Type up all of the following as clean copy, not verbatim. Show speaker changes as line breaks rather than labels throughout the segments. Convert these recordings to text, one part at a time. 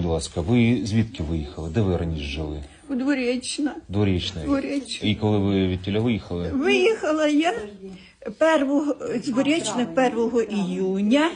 ласка, ви звідки виїхали? Де ви раніше жили?
У Дворічна.
Дворічна.
Дворічна.
І коли ви відтіля виїхали?
Виїхала я з Дворічна 1 іюня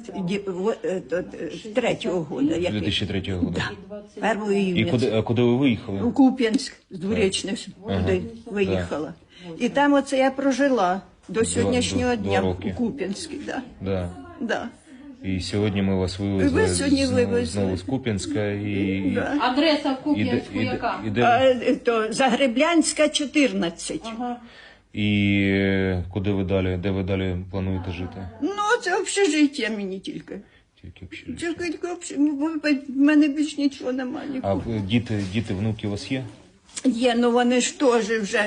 3-го года.
2003 року.
Да, 1 іюня.
І куди ви виїхали?
У Куп'янськ з Дворічних туди виїхала. І там оце я прожила до сьогоднішнього дня
роки.
у Куп'янську. Да.
Да.
Да.
І сьогодні ми вас вивезли,
Ви сьогодні вивезли.
знову з Куп'янська. І...
Да.
Адреса в Куп'янську яка?
То Загреблянська, 14.
Ага.
І куди ви далі? Де ви далі плануєте жити?
Ну, це общежиття мені тільки.
Тільки общежиття.
Тільки в мене більш нічого немає.
А діти, внуки у вас є?
Є, ну вони ж теж вже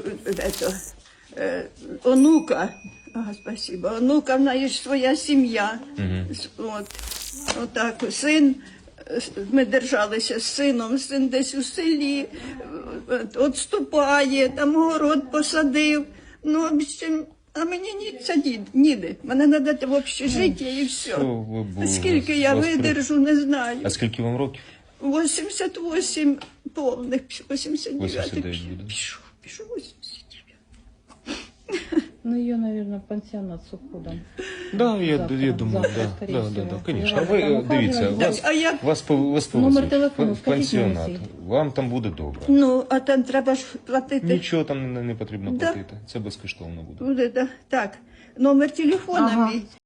онука. Спасибо. Онука, в неї ж своя сім'я. Отак, син, ми держалися з сином, син десь у селі, відступає, там город посадив. Ну, в общем, а мені ніде. Мене треба в общежиття і все. Скільки я видержу, не знаю.
А скільки вам років?
88 повних, 89.
89 буде.
Пішов 89.
Ну, ее, наверное, пансионат с уходом.
Да, я думаю, конечно. Ви дивіться, вас повезли
Номер телефону
в
скажіть
пансіонат.
мені.
Вам там буде добре.
Ну, а там треба ж платити.
Нічого там не потрібно платити. Це безкоштовно буде.
Буде, да. Так, номер телефона мій